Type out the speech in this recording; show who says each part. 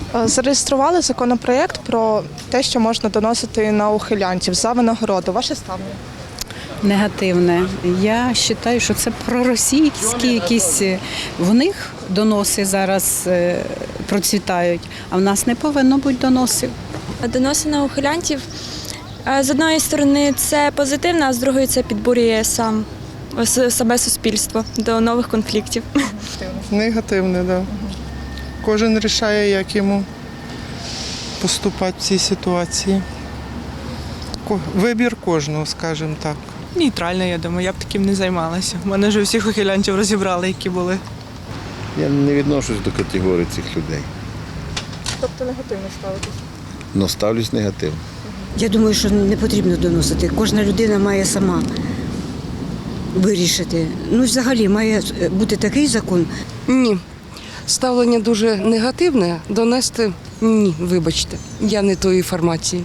Speaker 1: Зареєстрували законопроєкт про те, що можна доносити на ухилянтів за винагороду. Ваше ставлення?
Speaker 2: Негативне. Я вважаю, що це проросійські якісь, в них доноси зараз процвітають, а в нас не повинно бути доносів.
Speaker 3: Доноси на ухилянтів, з одної сторони, це позитивно, а з другої це підбурює саме суспільство до нових конфліктів.
Speaker 4: Негативне, так. Да. Кожен вирішує, як йому поступати в цій ситуації. Вибір кожного, скажімо так.
Speaker 5: Нейтрально, я думаю, я б таким не займалася. У мене вже всіх ухилянтів розібрали, які були.
Speaker 6: Я не відношусь до категорії цих людей.
Speaker 1: Тобто негативно ставитись?
Speaker 6: Но ставлюсь негативно.
Speaker 7: Я думаю, що не потрібно доносити. Кожна людина має сама вирішити. Ну, взагалі, має бути такий закон.
Speaker 8: Ні. Ставлення дуже негативне. Донести ні, вибачте. Я не тої формації.